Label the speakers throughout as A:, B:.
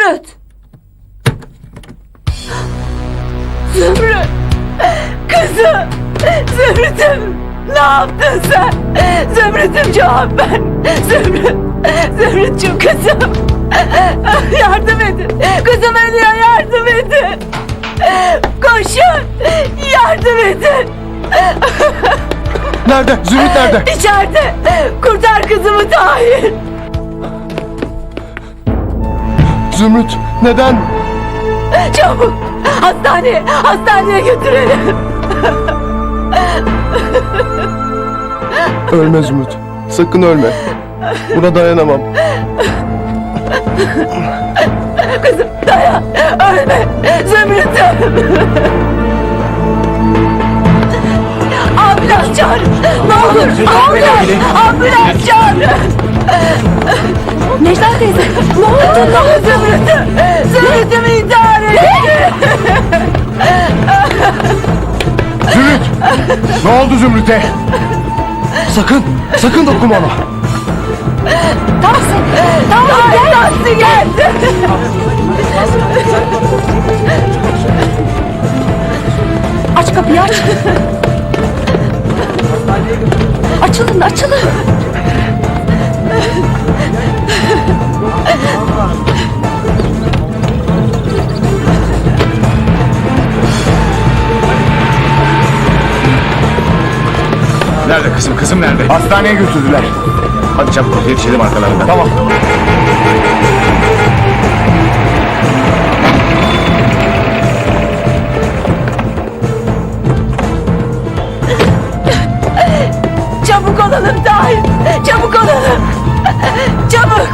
A: Zümrüt! Zümrüt! Kızım! Zümrüt'üm! Ne yaptın sen? Zümrüt'üm cevap ver! Zümrüt! Zümrüt'cüm kızım! Yardım edin! Kızım ölüyor, yardım edin! Koşun! Yardım edin!
B: Nerede? Zümrüt nerede?
A: İçeride! Kurtar kızımı Tahir!
B: Zümrüt neden?
A: Çabuk! Hastaneye götürelim!
B: Ölme Zümrüt. Sakın ölme. Buna dayanamam.
A: Kızım dayan! Ölme! Zümrüt'üm! Ambulans çağır! Ne olur! Ambulans çağır! Necla teyze! Ne oldu? Zümrüt'üm intihar etti!
B: Zümrüt! Ne oldu Zümrüt'e? Sakın dokunma ona.
A: Tahsin geldi!
C: Aç kapıyı aç. Açılın.
D: Nerede kızım? Kızım nerede?
B: Hastaneye götürdüler.
D: Hadi çabuk yetişelim arkalarından.
B: Tamam.
A: Çabuk olalım Tahir! Çabuk olalım! Çabuk!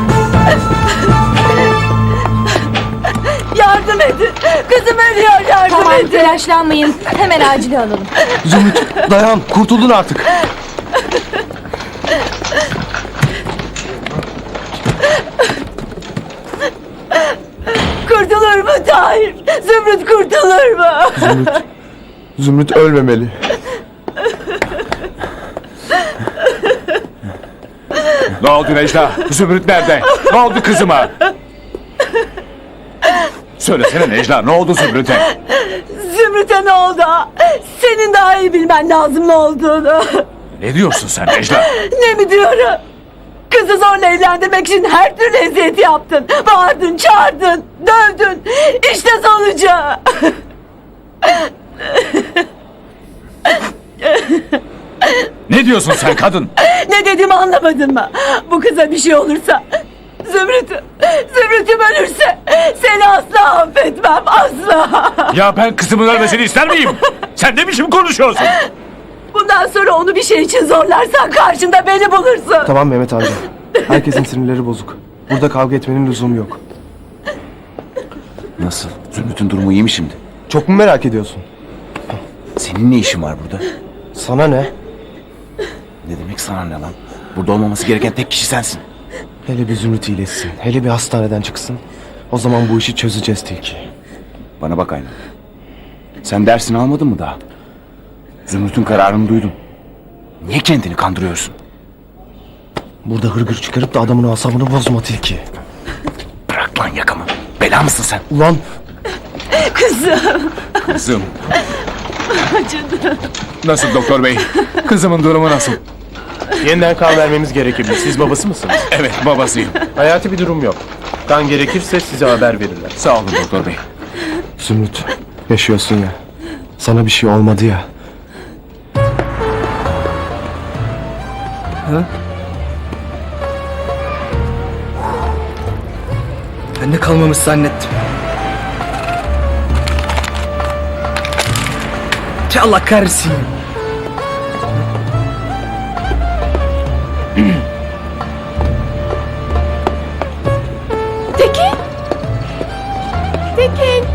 A: Yardım edin! Kızım ölüyor, yardım
C: Tamam
A: edin!
C: telaşlanmayın. Hemen acile alalım.
B: Zümrüt dayan. Kurtuldun artık.
A: Kurtulur mu Tahir? Zümrüt kurtulur mu?
B: Zümrüt ölmemeli.
D: Ne oldu Necla? Zümrüt nerede? Ne oldu kızıma? Söylesene Necla, ne oldu Zümrüt'e?
A: Zümrüt'e ne oldu? Senin daha iyi bilmen lazım ne olduğunu.
D: Ne diyorsun sen Necla?
A: Ne mi diyorum? Kızı zorla evlendirmek için her türlü eziyet yaptın. Bağırdın, çağırdın, dövdün. İşte sonucu.
D: Ne diyorsun sen kadın?
A: Ne dediğimi anlamadın mı? Bu kıza bir şey olursa... Zümrüt'üm ölürse seni asla affetmem, asla.
D: Ya ben kızımın ölmesini ister miyim? Sen ne biçim konuşuyorsun?
A: Bundan sonra onu bir şey için zorlarsan karşında beni bulursun.
B: Tamam Mehmet amca. Herkesin sinirleri bozuk. Burada kavga etmenin lüzumu yok.
E: Nasıl? Zümrüt'ün durumu iyi mi şimdi?
B: Çok mu merak ediyorsun?
E: Senin ne işin var burada?
B: Sana ne?
E: Ne demek sana ne lan? Burada olmaması gereken tek kişi sensin.
B: Hele bir Zümrüt iyileşsin. Hele bir hastaneden çıksın. O zaman bu işi çözeceğiz Tilki.
E: Bana bak Aynen. Sen dersini almadın mı daha? Zümrüt'ün kararını duydum. Niye kendini kandırıyorsun?
B: Burada hırgür çıkarıp da adamın asabını bozma Tilki.
E: Bırak lan yakamı. Bela mısın sen?
B: Ulan
A: Kızım,
D: Kızım,
A: acıdı.
D: nasıl doktor bey? Kızımın durumu nasıl?
F: Yeniden kan vermemiz gerekebilir. Siz babası mısınız?
D: Evet, babasıyım.
F: Hayati bir durum yok. Kan gerekirse size haber verirler.
D: Sağ olun doktor bey.
B: Zümrüt yaşıyorsun ya. Sana bir şey olmadı ya.
G: Ben de kalmamış zannettim. Allah kahretsin.
A: Tekin! Tekin!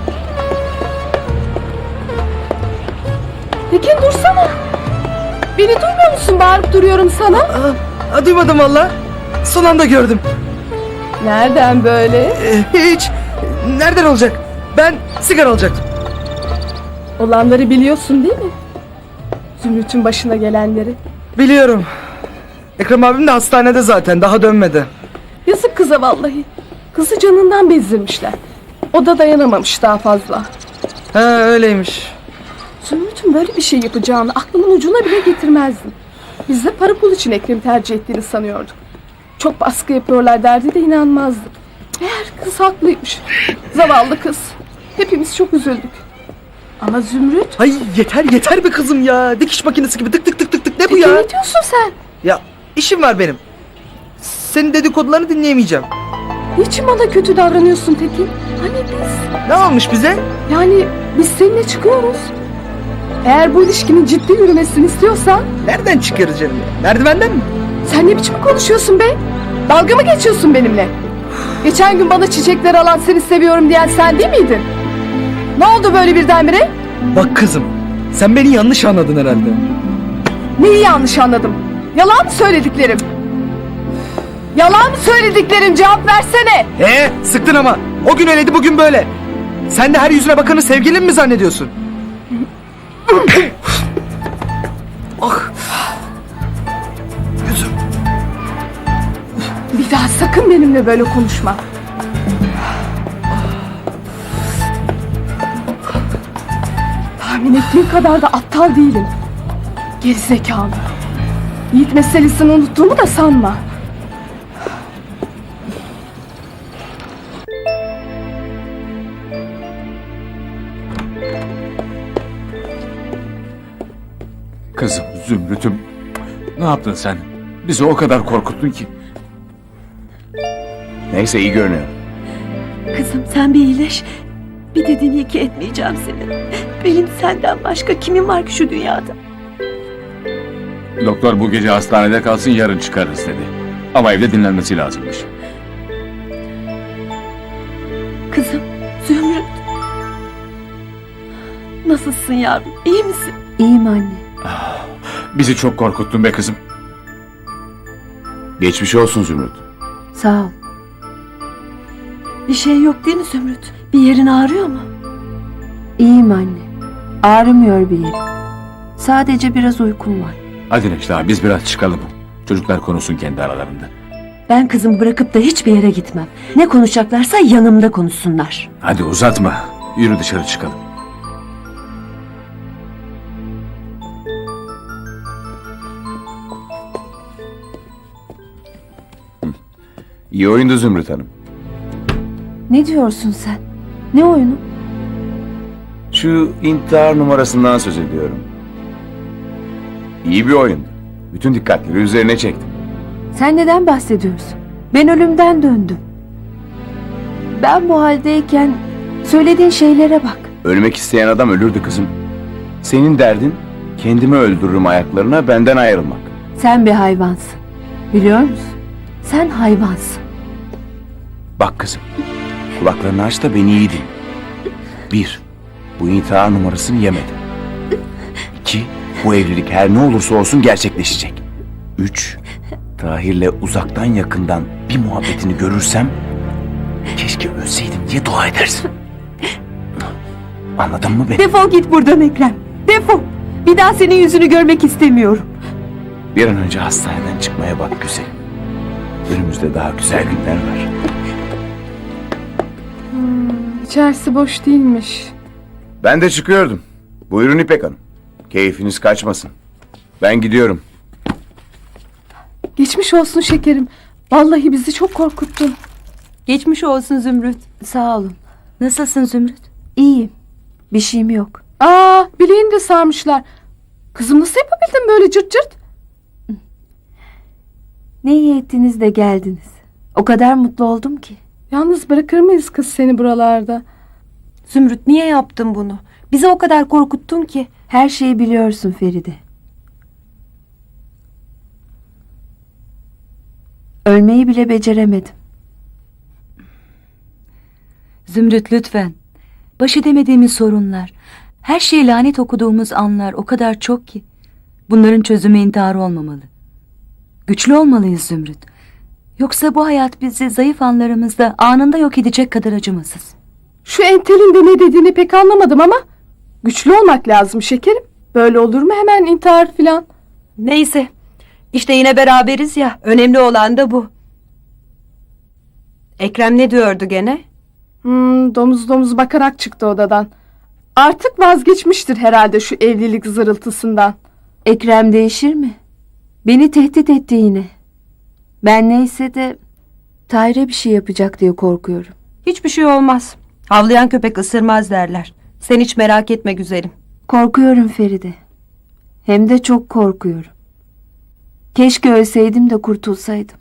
A: Tekin dursana! Beni duymuyor musun? Bağırıp duruyorum sana.
G: Duymadım valla. Son anda gördüm.
A: Nereden böyle?
G: Hiç. Nereden olacak? Ben sigara alacaktım.
A: Olanları biliyorsun değil mi? Zümrüt'ün başına gelenleri.
G: Biliyorum. Ekrem abim de hastanede zaten. Daha dönmedi.
A: Yazık kıza vallahi.
H: Kızı canından bezdirmişler. O da dayanamamış daha fazla.
G: Ha öyleymiş.
H: Zümrüt'ün böyle bir şey yapacağını aklımın ucuna bile getirmezdim. Biz de para pul için Ekrem'i tercih ettiğini sanıyorduk. Çok baskı yapıyorlar derdi de inanmazdık. Meğer kız haklıymış. Zavallı kız. Hepimiz çok üzüldük. Ama Zümrüt...
G: Ay yeter be kızım ya. Dikiş makinesi gibi tık tık tık tık tık. Ne bu
H: Peki
G: ya?
H: ne diyorsun sen?
G: Ya işim var benim. Senin dedikodularını dinleyemeyeceğim.
H: Niçin bana kötü davranıyorsun Tekin? Hani biz...
G: Ne olmuş bize?
H: Yani biz seninle çıkıyoruz. Eğer bu ilişkinin ciddi yürümesini istiyorsan...
G: Nereden çıkarız canım ya? Merdivenden mi?
H: Sen ne biçim konuşuyorsun be? Dalga mı geçiyorsun benimle? Geçen gün bana çiçekler alan seni seviyorum diyen sen değil miydin? Ne oldu böyle birdenbire?
G: Bak kızım. Sen beni yanlış anladın herhalde.
H: Neyi yanlış anladım? Yalan mı söylediklerim? Yalan mı söylediklerim? Cevap versene.
G: Sıktın ama. O gün öyleydi bugün böyle. Sen de her yüzüne bakanı sevgilin mi zannediyorsun? Ah. Yüzüm.
H: Bir daha sakın benimle böyle konuşma. Tahmin ettiğin kadar da aptal değilim. Gerizekalı. Yiğit meselesini unuttuğumu da sanma.
D: Kızım Zümrüt'üm. Ne yaptın sen? Bizi o kadar korkuttun ki.
E: Neyse iyi görünüyor.
A: Kızım sen bir iyileş. Bir dediğini iki etmeyeceğim seni. Benim senden başka kimim var ki şu dünyada?
D: Doktor bu gece hastanede kalsın, yarın çıkarız dedi. Ama evde dinlenmesi lazımmış.
A: Kızım Zümrüt. Nasılsın yavrum? İyi misin?
C: İyiyim anne.
D: Bizi çok korkuttun be kızım.
E: Geçmiş olsun Zümrüt.
C: Sağ ol.
A: Bir şey yok değil mi Zümrüt? Bir yerin ağrıyor mu?
C: İyiyim anne. Ağrımıyor bir yerim. Sadece biraz uykum var.
D: Hadi Necla, biz biraz çıkalım. Çocuklar konuşsun kendi aralarında.
A: Ben kızımı bırakıp da hiçbir yere gitmem. Ne konuşacaklarsa yanımda konuşsunlar.
D: Hadi uzatma. Yürü dışarı çıkalım.
E: İyi oyundu Zümrüt Hanım.
C: Ne diyorsun sen? Ne oyunu?
E: Şu intihar numarasından söz ediyorum. İyi bir oyundu. Bütün dikkatleri üzerine çektim.
C: Sen neden bahsediyorsun? Ben ölümden döndüm. Ben bu haldeyken söylediğin şeylere bak.
E: Ölmek isteyen adam ölürdü kızım. Senin derdin kendimi öldürürüm ayaklarına benden ayrılmak.
C: Sen bir hayvansın. Biliyor musun? Sen hayvansın.
E: Bak kızım, kulaklarını aç da beni iyi dinle. 1. Bu intihar numarasını yemedim. 2. Bu evlilik her ne olursa olsun gerçekleşecek. 3. Tahir'le uzaktan yakından bir muhabbetini görürsem keşke ölseydim diye dua edersin. Anladın mı beni?
A: Defol git buradan Ekrem. Defol. Bir daha senin yüzünü görmek istemiyorum.
E: Bir an önce hastaneden çıkmaya bak güzelim. Önümüzde daha güzel günler var.
H: İçerisi boş değilmiş.
E: Ben de çıkıyordum. Buyurun İpek Hanım. Keyfiniz kaçmasın. Ben gidiyorum.
H: Geçmiş olsun şekerim. Vallahi bizi çok korkuttun.
C: Geçmiş olsun Zümrüt. Sağ olun. Nasılsın Zümrüt? İyiyim. Bir şeyim yok.
H: Bileğini de sarmışlar. Kızım nasıl yapabildin böyle cırt cırt?
C: Ne iyi ettiniz de geldiniz. O kadar mutlu oldum ki.
H: Yalnız bırakır mıyız kız seni buralarda?
C: Zümrüt niye yaptın bunu? Bizi o kadar korkuttun ki. Her şeyi biliyorsun Feride. Ölmeyi bile beceremedim.
I: Zümrüt lütfen. Baş edemediğimiz sorunlar, her şeye lanet okuduğumuz anlar o kadar çok ki. Bunların çözümü intihar olmamalı. Güçlü olmalıyız Zümrüt. Yoksa bu hayat bizi zayıf anlarımızda anında yok edecek kadar acımasız.
H: Şu entelin de ne dediğini pek anlamadım ama güçlü olmak lazım şekerim. Böyle olur mu hemen intihar filan?
A: Neyse. İşte yine beraberiz ya. Önemli olan da bu. Ekrem ne diyordu gene?
H: Domuz domuz bakarak çıktı odadan. Artık vazgeçmiştir herhalde şu evlilik zırıltısından.
C: Ekrem değişir mi? Beni tehdit etti yine. Ben neyse de Tahir'e bir şey yapacak diye korkuyorum.
A: Hiçbir şey olmaz. Havlayan köpek ısırmaz derler. Sen hiç merak etme güzelim.
C: Korkuyorum Feride. Hem de çok korkuyorum. Keşke ölseydim de kurtulsaydım.